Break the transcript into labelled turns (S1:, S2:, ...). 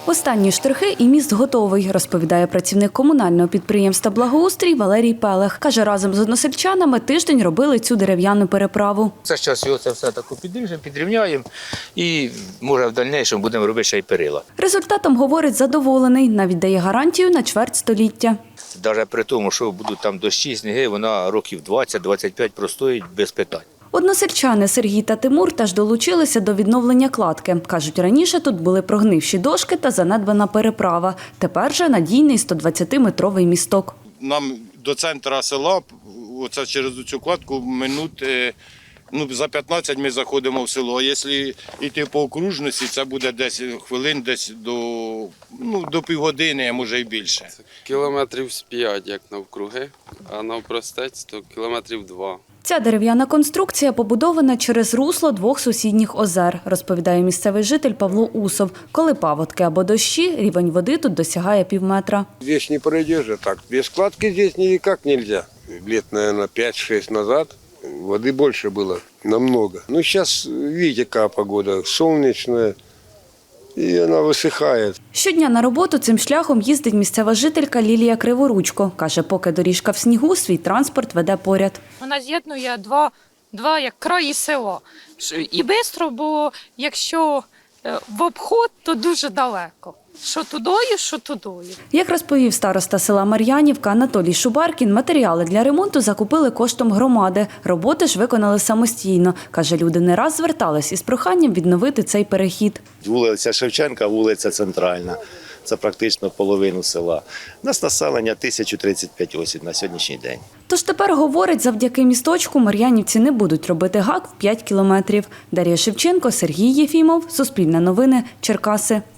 S1: Останні штрихи і міст готовий, розповідає працівник комунального підприємства «Благоустрій» Валерій Пелех. Каже, разом з односельчанами тиждень робили цю дерев'яну переправу.
S2: Це зараз його це все таку підрівняємо і, може, в дальнішому будемо робити ще й перила.
S1: Результатом, говорить, задоволений. Навіть дає гарантію на чверть століття.
S2: Навіть при тому, що будуть там дощі, сніги, вона років 20-25 простоїть без питань.
S1: Односельчани Сергій та Тимур теж долучилися до відновлення кладки. Кажуть, раніше тут були прогнивші дошки та занедбана переправа. Тепер же надійний 120-метровий місток.
S3: Нам до центру села, оце через цю кладку, минут, за 15 ми заходимо в село. А якщо йти по окружності, це буде десь хвилин, десь до півгодини, а може і більше.
S4: Кілометрів з 5, як навкруги, а навпростець, то кілометрів 2.
S1: Ця дерев'яна конструкція побудована через русло двох сусідніх озер, розповідає місцевий житель Павло Усов. Коли паводки або дощі, рівень води тут досягає півметра.
S5: Здесь не пройдешь же так. Без складки здесь никак нельзя. Лет, наверное, 5-6 назад воды больше было, намного. Ну, сейчас, видите, какая погода, солнечная, і вона висихає.
S1: Щодня на роботу цим шляхом їздить місцева жителька Лілія Криворучко. Каже, поки доріжка в снігу, свій транспорт веде поряд.
S6: Вона з'єднує два як краї села. І швидко, бо якщо в обход, то дуже далеко. Що тудою, що тудою.
S1: Як розповів староста села Мар'янівка Анатолій Шубаркін, матеріали для ремонту закупили коштом громади. Роботи ж виконали самостійно. Каже, люди не раз звертались із проханням відновити цей перехід.
S7: Вулиця Шевченка, вулиця Центральна. Це практично половину села. У нас населення 1035 осіб на сьогоднішній день.
S1: Тож тепер, говорить, завдяки місточку мар'янівці не будуть робити гак в 5 кілометрів. Дар'я Шевченко, Сергій Єфімов, Суспільне новини, Черкаси.